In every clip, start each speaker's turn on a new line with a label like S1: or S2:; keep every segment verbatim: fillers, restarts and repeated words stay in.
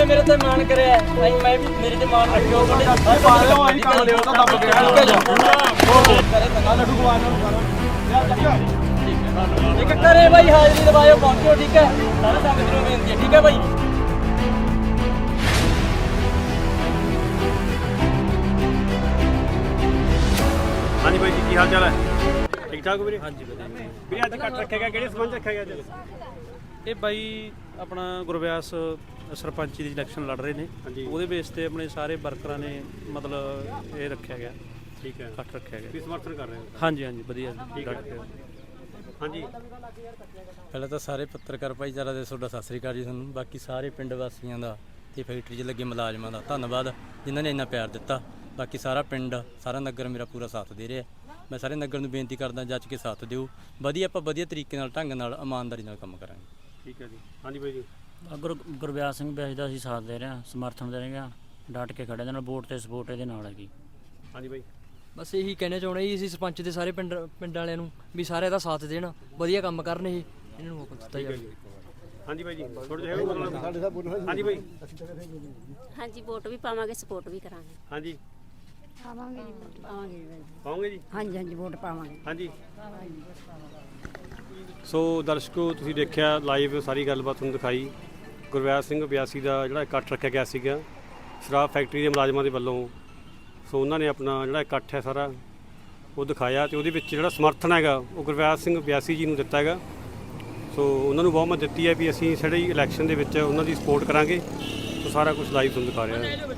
S1: ने मेरे ते मान करे आई मैं भी मेरे ते मान रखियो बड़े
S2: पाले हो आई काम ले तो दब गया करे तंगा लड्डू भगवान ਨੂੰ ਦੁਬਾਰਾ
S1: ठीक है करे भाई हाजिरी दबायो पहुंचो ठीक है सारे संगत ਨੂੰ ਬੇਨਤੀ है ठीक है भाई
S3: हाँ जी भाई जी की हाल चाल है ठीक ठाक ਵੀਰੇ हाँ जी ਵੀਰੇ ਅੱਜ ਕੱਟ ਰੱਖਿਆ ਗਿਆ ਕਿਹੜੇ ਸਬੰਧ ਰੱਖਿਆ ਗਿਆ ਅੱਜ
S4: ਇਹ ਬਾਈ ਆਪਣਾ ਗੁਰਵਿਆਸ ਸਰਪੰਚੀ ਦੀ ਇਲੈਕਸ਼ਨ ਲੜ ਰਹੇ ਨੇ ਉਹਦੇ ਬੇਸ ਤੇ ਆਪਣੇ ਸਾਰੇ ਵਰਕਰਾਂ ਨੇ ਮਤਲਬ ਇਹ ਰੱਖਿਆ ਗਿਆ
S3: ਠੀਕ ਹੈ
S4: ਕੱਟ ਰੱਖਿਆ ਗਿਆ
S3: ਵੀ ਸਮਰਥਨ ਕਰ ਰਹੇ ਹੋ
S4: ਹਾਂਜੀ ਹਾਂਜੀ ਵਧੀਆ
S3: ਠੀਕ ਹੈ ਹਾਂਜੀ
S5: ਪਹਿਲਾਂ ਤਾਂ ਸਾਰੇ ਪੱਤਰਕਾਰ ਭਾਈਚਾਰਾ ਦੇ ਤੁਹਾਡਾ ਸਤਿ ਸ੍ਰੀ ਅਕਾਲ ਜੀ ਤੁਹਾਨੂੰ ਬਾਕੀ ਸਾਰੇ ਪਿੰਡ ਵਾਸੀਆਂ ਦਾ ਤੇ ਫੈਕਟਰੀ 'ਚ ਲੱਗੇ ਮੁਲਾਜ਼ਮਾਂ ਦਾ ਧੰਨਵਾਦ ਜਿਨ੍ਹਾਂ ਨੇ ਇੰਨਾ ਪਿਆਰ ਦਿੱਤਾ ਬਾਕੀ ਸਾਰਾ ਪਿੰਡ ਸਾਰਾ ਨਗਰ ਮੇਰਾ ਪੂਰਾ ਸਾਥ ਦੇ ਰਿਹਾ ਮੈਂ ਸਾਰੇ ਨਗਰ ਨੂੰ ਬੇਨਤੀ ਕਰਦਾ ਜੱਜ ਕੇ ਸਾਥ ਦਿਓ ਵਧੀਆ ਆਪਾਂ ਵਧੀਆ ਤਰੀਕੇ ਨਾਲ ਢੰਗ ਨਾਲ ਇਮਾਨਦਾਰੀ ਨਾਲ ਕੰਮ ਕਰਾਂਗੇ
S3: ਠੀਕ ਹੈ ਜੀ ਹਾਂਜੀ ਬਾਈ ਜੀ
S6: ਗੁਰ ਗੁਰਵਿਆਸ ਸਿੰਘ ਬਿਆਸ ਦਾ ਅਸੀਂ ਸਾਥ ਦੇ ਰਹੇ ਹਾਂ ਸਮਰਥਨ ਦੇ ਰਹੇ ਹਾਂ ਡਟ ਕੇ ਖੜੇ ਦੇ ਨਾਲ ਵੋਟ ਤੇ ਸਪੋਰਟ ਇਹਦੇ ਨਾਲ ਹੈਗੀ
S3: ਹਾਂਜੀ ਬਾਈ
S7: ਬਸ ਇਹੀ ਕਹਿਣਾ ਚਾਹੁੰਦੇ ਜੀ ਅਸੀਂ ਸਰਪੰਚ ਦੇ ਸਾਰੇ ਪਿੰਡ ਪਿੰਡ ਵਾਲਿਆਂ ਨੂੰ ਵੀ ਸਾਰੇ ਇਹਦਾ ਸਾਥ ਦੇਣ ਵਧੀਆ ਕੰਮ ਕਰਨ ਇਹ ਇਹਨਾਂ ਨੂੰ ਮੌਕਾ ਦਿੱਤਾ ਜਾਵੇ
S3: ਹਾਂਜੀ ਬਾਈ ਜੀ ਥੋੜਾ ਜਿਹਾ ਬੋਲਣਾ ਸਾਡੇ ਸਾਹਿਬ ਬੋਲੋ ਹਾਂਜੀ ਬਾਈ
S8: ਹਾਂਜੀ ਵੋਟ ਵੀ ਪਾਵਾਂਗੇ ਸਪੋਰਟ ਵੀ ਕਰਾਂਗੇ
S3: ਹਾਂਜੀ
S8: ਪਾਵਾਂਗੇ ਜੀ ਵੋਟ ਪਾਵਾਂਗੇ
S3: ਪਾਉਂਗੇ ਜੀ
S8: ਹਾਂਜੀ ਹਾਂਜੀ ਵੋਟ ਪਾਵਾਂਗੇ
S3: ਹਾਂਜੀ ਸੋ ਦਰਸ਼ਕੋ ਤੁਸੀਂ ਦੇਖਿਆ ਲਾਈਵ ਸਾਰੀ ਗੱਲਬਾਤ ਤੁਹਾਨੂੰ ਦਿਖਾਈ ਗੁਰਵਿਆਸ ਸਿੰਘ ਬਿਆਸੀ ਦਾ ਜਿਹੜਾ ਇਕੱਠ ਰੱਖਿਆ ਗਿਆ ਸੀਗਾ ਸ਼ਰਾਬ ਫੈਕਟਰੀ ਦੇ ਮੁਲਾਜ਼ਮਾਂ ਦੇ ਵੱਲੋਂ ਸੋ ਉਹਨਾਂ ਨੇ ਆਪਣਾ ਜਿਹੜਾ ਇਕੱਠ ਹੈ ਸਾਰਾ ਉਹ ਦਿਖਾਇਆ ਤੇ ਉਹਦੇ ਵਿੱਚ ਜਿਹੜਾ ਸਮਰਥਨ ਹੈਗਾ ਉਹ ਗੁਰਵਿਆਸ ਸਿੰਘ ਬਿਆਸੀ ਜੀ ਨੂੰ ਦਿੱਤਾ ਹੈਗਾ ਸੋ ਉਹਨਾਂ ਨੂੰ ਬਹੁਮਤ ਦਿੱਤੀ ਹੈ ਵੀ ਅਸੀਂ ਸਾਡੀ ਇਲੈਕਸ਼ਨ ਦੇ ਵਿੱਚ ਉਹਨਾਂ ਦੀ ਸਪੋਰਟ ਕਰਾਂਗੇ ਸੋ ਸਾਰਾ ਕੁਝ ਲਾਈਵ ਤੁਹਾਨੂੰ ਦਿਖਾ ਰਿਹਾ ਹੈ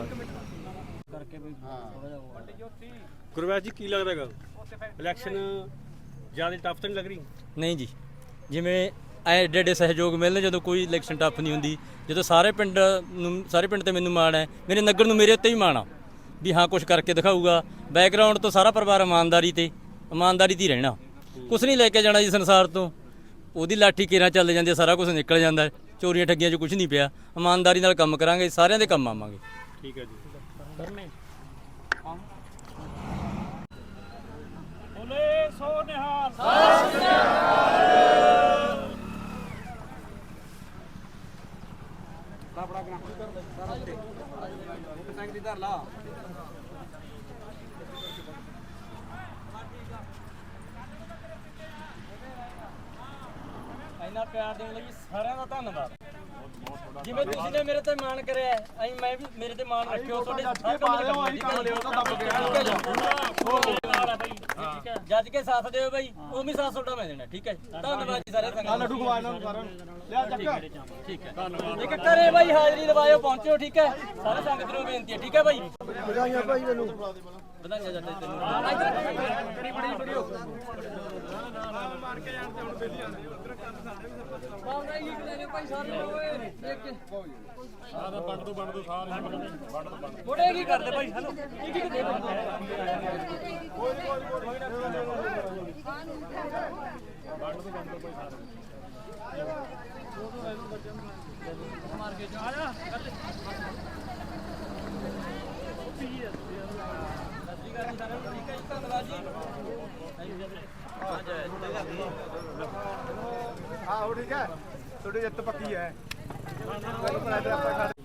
S3: ਗੁਰਵਿਆਸ ਜੀ ਕੀ ਲੱਗਦਾ ਹੈਗਾ ਇਲੈਕਸ਼ਨ ਜ਼ਿਆਦਾ ਟਫ ਤਾਂ ਨਹੀਂ ਲੱਗ ਰਹੀ
S5: ਨਹੀਂ ਜੀ ਜਿਵੇਂ ਐਡੇ ਐਡੇ ਸਹਿਯੋਗ ਮਿਲਣ ਜਦੋਂ ਕੋਈ ਇਲੈਕਸ਼ਨ ਟੱਫ ਨਹੀਂ ਹੁੰਦੀ ਜਦੋਂ ਸਾਰੇ ਪਿੰਡ ਨੂੰ ਸਾਰੇ ਪਿੰਡ ਤੇ ਮੈਨੂੰ ਮਾਣ ਹੈ ਮੇਰੇ ਨਗਰ ਨੂੰ ਮੇਰੇ ਉੱਤੇ ਵੀ ਮਾਣ ਆ ਵੀ ਹਾਂ ਕੁਝ ਕਰਕੇ ਦਿਖਾਊਗਾ ਬੈਕਗਰਾਊਂਡ ਤੋਂ ਸਾਰਾ ਪਰਿਵਾਰ ਇਮਾਨਦਾਰੀ ਤੇ ਇਮਾਨਦਾਰੀ ਤੇ ਹੀ ਰਹਿਣਾ ਕੁਛ ਨਹੀਂ ਲੈ ਕੇ ਜਾਣਾ ਜੀ ਸੰਸਾਰ ਤੋਂ ਉਹਦੀ ਲਾਠੀ ਕੇਰਾਂ ਚੱਲ ਜਾਂਦੀ ਸਾਰਾ ਕੁਝ ਨਿਕਲ ਜਾਂਦਾ ਚੋਰੀਆਂ ਠੱਗੀਆਂ 'ਚ ਕੁਝ ਨਹੀਂ ਪਿਆ ਇਮਾਨਦਾਰੀ ਨਾਲ ਕੰਮ ਕਰਾਂਗੇ ਸਾਰਿਆਂ ਦੇ ਕੰਮ ਆਵਾਂਗੇ
S3: ਠੀਕ ਹੈ ਜੀ
S1: ਬੋਲੇ ਸੋ ਨਿਹਾਲ ਇੰਨਾ ਪਿਆਰ ਦੇਣ ਲਈ ਸਾਰਿਆਂ ਦਾ ਧੰਨਵਾਦ ਜਿਵੇਂ ਤੁਸੀਂ ਨੇ ਮੇਰੇ ਤੇ ਮਾਣ ਕਰਿਆ ਅਸੀਂ ਮੈਂ ਵੀ ਮੇਰੇ ਤੇ ਮਾਣ ਰੱਖਿਓ ਤੁਹਾਡੇ ਸਾਰੇ
S2: ਪਾਲੇ ਹੋ ਆਈ ਕੰਮ ਲੈ ਤਾਂ ਦਬ ਗਿਆ
S1: ਠੀਕ ਹੈ ਜੱਜ ਕੇ ਸਾਥ ਦਿਓ ਬਾਈ ਉਹ ਵੀ ਸਾਥ ਤੁਹਾਡਾ ਮੈਂ ਦੇਣਾ ਠੀਕ ਹੈ ਧੰਨਵਾਦ ਜੀ ਸਾਰੇ ਸੰਗਤ
S2: ਲੱਡੂ ਭਗਵਾਨ ਨੂੰ ਦੁਬਾਰਾ ਲਿਆ ਚੱਕ
S1: ਠੀਕ ਹੈ ਇੱਕ ਕਰੇ ਬਾਈ ਹਾਜ਼ਰੀ ਦਬਾਇਓ ਪਹੁੰਚੋ ਠੀਕ ਹੈ ਸਾਰੇ ਸੰਗਤ ਨੂੰ ਬੇਨਤੀ ਹੈ ਠੀਕ ਹੈ ਬਾਈ
S2: ਵਧਾਈਆਂ ਭਾਈ ਮੈਨੂੰ
S1: ਵਧਾਈਆਂ ਜੱਟੇ ਤੈਨੂੰ
S2: ਬੜੀ ਬੜੀ ਵੀਡੀਓ ਮਾਰ ਕੇ ਜਾਣ ਤੇ ਹੁਣ ਬੇਲੀ ਜਾਂਦੇ ਉਧਰ ਕੰਨ ਸਾਡੇ ਵੀ ਸਰਪੰਚ
S7: ਪਾਉਂਦਾ ਹੀ ਲੈ ਭਾਈ ਸਾਰੇ ਓਏ ਦੇਖ ਕੇ
S2: ਸਾਰਾ ਵੰਡ ਦੋ ਵੰਡ ਦੋ ਸਾਰੇ ਵੰਡ ਦੋ
S1: ਬੋੜੇ ਕੀ ਕਰਦੇ ਭਾਈ ਹਲੋ ਕੀ ਕੀ ਦੇ
S2: ਕੋਈ ਕੋਈ ਕੋਈ ਨਾ ਵੰਡ ਦੋ ਵੰਡ ਦੋ ਭਾਈ ਸਾਰੇ
S1: ਮਾਰ ਕੇ ਜਾ ਆ ਧੰਨਵਾਦ ਜੀ
S2: ਆਹੋ ਠੀਕ ਹੈ ਤੁਹਾਡੀ ਜਿੱਤ ਪੱਕੀ ਹੈ